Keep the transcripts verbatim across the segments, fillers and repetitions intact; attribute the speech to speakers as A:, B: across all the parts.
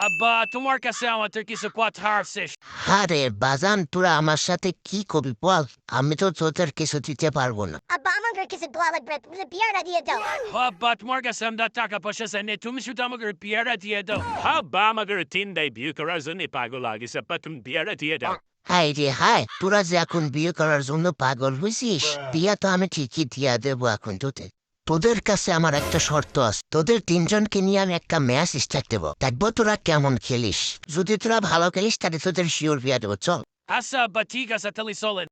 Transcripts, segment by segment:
A: আব্বা তোমার কাছে আমাদের কিছু কথা আছে।
B: আরে বাজান, তোরা আমার সাথে কি করবি বল? আমি তো তোদের কিছু দিতে পারবো না।
C: আব্বা আমাকে কিছু দোয়া লাগবে, তুমি বিয়ারটা দিয়ে দাও।
A: আব্বা তোমার কাছে আমরা টাকা পয়সা চাই না, তুমি শুধু আমাকে বিয়ারটা দিয়ে দাও। আব্বা আমাদের তিন দেয় বিয়ে করার জন্য পাগল লাগিছে, আব্বা তুমি বিয়ারটা দিয়ে দাও।
B: হাই রে হাই, তোরা যে এখন বিয়ে করার জন্য পাগল হয়েছিস, বিয়া তো আমি ঠিকই দিয়া দেবো এখন তোদের। তোদের কাছে আমার একটা শর্ত আছে, তোদের তিনজনকে নিয়ে আমি একটা ম্যাচ স্টার্ট দেবো, দেখবো তোরা কেমন খেলিস। যদি তোরা ভালো খেলিস তাহলে তোদের শিওর বিয়া দেবো, চল।
A: আচ্ছা আব্বা ঠিক আছে, তাহলে চলেন।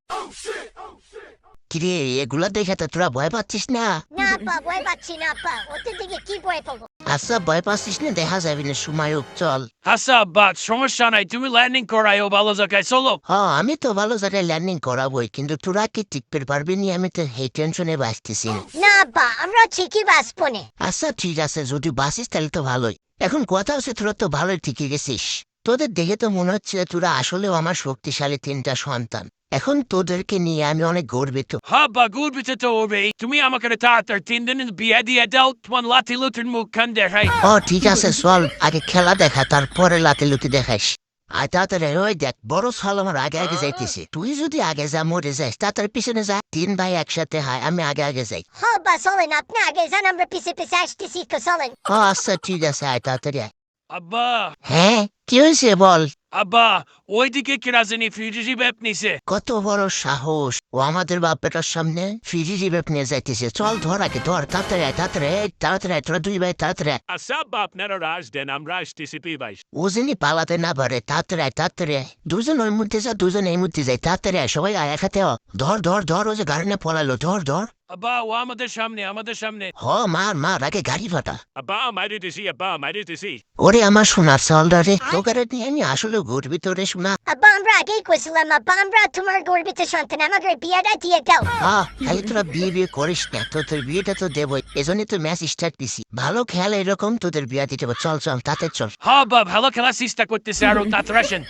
B: কিরে, এগুলা দেখে তো তোরা ভয় পাচ্ছিস না?
C: না আব্বা, ভয় পাচ্ছি না আব্বা, ওদের দিকে কি ভয় পাবো?
B: আচ্ছা ভয় পাচ্ছিস না, দেখা যাবি না সময় হোক, চল।
A: আচ্ছা আব্বা সমস্যা নাই, তুমি ল্যান্ডিং করাইও ভালো জায়গায়, চলো।
B: হ্যাঁ আমি তো ভালো জায়গায় ল্যান্ডিং করাবোই, কিন্তু তোরা কি টিকতে পারবি নি? আমি তো এই টেনশনে বাঁচতেছি না।
C: না আব্বা, আমরা ঠিকই বাঁচবো না।
B: আচ্ছা ঠিক আছে, যদি বাঁচিস তাহলে তো ভালোই। এখন কথা হচ্ছে তোরা তো ভালোই ঠিকই গেছিস। তোদের দেখে তো মনে হচ্ছে তোরা আসলেও আমার শক্তিশালী তিনটা সন্তান। এখন তোদেরকে নিয়ে আমি অনেক গর্বিত।
A: আব্বা গর্বিত তো হবে, তুমি আমাকে তাড়াতাড়ি তিন দিনের বিয়ে দিয়ে দাও, তোমার লাঠি লুটির মুখ খান দেখাই।
B: ও ঠিক আছে চল, আগে খেলা দেখা, তারপরে লাতে লুটি দেখাইস। আর তাড়াতাড়ি ওই দেখ, বড় সাল আমার আগে আগে যাইতেছে। তুই যদি আগে যা মরে যাস, তাড়াতাড়ি পিছনে যা। তিন ভাই একসাথে হয়, আমি আগে আগে যাই।
C: হ্যাঁ আব্বা চলেন, আপনি আগে যান, আমরা পিছে পিছে আসতেছি, তো চলেন।
B: ও আচ্ছা ঠিক আছে, আয় তাড়াতাড়ি আয়।
A: আব্বা
B: হ্যাঁ কি হয়েছে বল?
A: আব্বা ওইদিকে কিরা জানি ফিউজি ব্যাপ নিছে।
B: কত বড় সাহস, ও আমাদের বাপেটার সামনে ফিরি রিবেপ নিয়ে যাইতেছে। চল ধর আগে, ধর তাড়াতাড়ি আয়, তাড়াতাড়ি আয়, তাড়াতাড়ি আয়, তোরা দুই ভাই তাড়াতাড়ি আয়।
A: আচ্ছা আব্বা আপনারা রাজ দেন, আমরা আসতেছি পি ভাই।
B: ও যিনি পালাতে না পারে, তাড়াতাড়ি আয়, তাড়াতাড়ি আয়। দুজন ওই মধ্যে যা, দুজন এই মধ্যে যাই, তাড়াতাড়ি আয়, সবাই আয় একসাথে হ। ধর ধর ধর, ও যে গাড়ি না পলালো, ধর ধর।
A: আব্বা ও আমাদের সামনে, আমাদের সামনে।
B: হ মার মার, আগে গাড়ি ফাটা।
A: আব্বা মারিতেছি, আব্বা মারিতেছি।
B: ওরে আমার সোনার চালটা রে, তোকে নিয়ে আমি আসলে গর্বিত রে সোনা।
C: আব্বা আমরা আগেই কইছিলাম, আব্বা আমরা তোমার গর্বিত সন্তান, আমাকে বিয়ারটা দিয়ে দাও।
B: হ্যাঁ খালি তোরা বিয়ে বিয়ে করিস না, তো তোর বিয়েটা তো দেবই, এজন্যই তো ম্যাচ স্টার্ট দিছি। ভালো খেলা এরকম, তোদের বিয়া দিতে হবে। চল চল তাতে চল।
A: হ্যাঁ আব্বা ভালো খেলার চেষ্টা করতেছে, আরো তাড়াতাড়ি আসেন।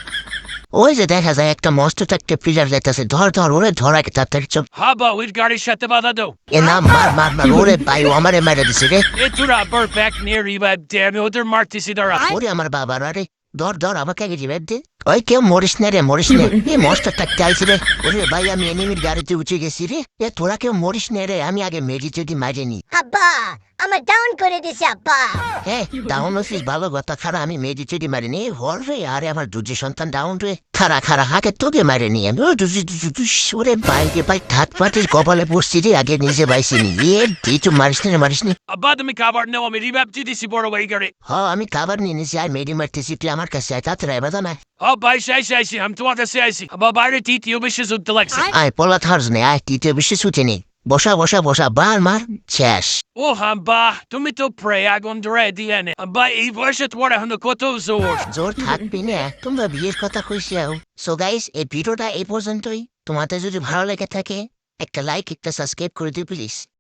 B: ওই যে দেখা যায় একটা মস্ত একটা প্লেয়ার যাইতেছে, ধর ধর ওরে, ধর আগে তাড়াতাড়ি চল।
A: হ্যাঁ আব্বা ওই গাড়ির সাথে বাধা দাও।
B: এ না, মার মার মার, ওরে ভাই ও আমারে মারা দিছে রে।
A: এ তোরা আবার ব্যাক নিয়ে রিভাইভ দে, আমি ওদের মারতেছি দাঁড়া।
B: ওরে আমার বাবার, আরে ধর ধর আমাকে আগে রিভাইভ দে। ওই কেউ মরিস না রে, মরিস না। এ মস্ত একটা চাইছে রে। ওরে ভাই আমি এনিমির গাড়িতে উঠে গেছি রে। এ তোরা কেউ মরিস না রে, আমি আগে মেরি যদি মারিনি।
C: আব্বা আমার ডাউন করে দিছে আব্বা।
B: হ্যাঁ ডাউন অফিস ভালো কথা, খারা আমি মেরি চেডি মারিনি। হর রে, আরে আমার দুজি সন্তান ডাউন রে। খারা খারা হাকে তোকে মারিনি আমি। ও দুজি দুজি দুস, ওরে বাইকে বাই ঠাট পাটির কপালে পড়ছি রে, আগে নিজে বাইছিনি। এ তুই তো মারিস না, মারিস না।
A: আব্বা তুমি খাবার নাও, আমি রিভাইভ দিতেছি বড় ভাই গাড়ি।
B: হ আমি খাবার নিয়ে নিছি, আর মেরি মারতেছি, তুই আমার কাছে আয় তাড়াতাড়ি, বাধা নাই।
A: হ্যাঁ ভাই আইসি আইসি, আমি তোমার কাছে আইসি। আব্বা বাইরে তৃতীয় বিশ্বে যুদ্ধ লাগছে।
B: আয় পলা থার্স নে, আয় তৃতীয় বিশ্বে ছুটে নে। বসা বসা বসা, বার মার শেষ।
A: ও আব্বা তুমি তো প্রে আগুন ধরে দিয়ে নে। আব্বা এই বয়সে তোমার এখন কত জোর।
B: জোর থাকবি না, তোমরা বিয়ের কথা কইছিও। সো গাইস এই ভিডিওটা এই পর্যন্তই। তোমাদের যদি ভালো লেগে থাকে একটা লাইক একটা সাবস্ক্রাইব করে দিও প্লিজ।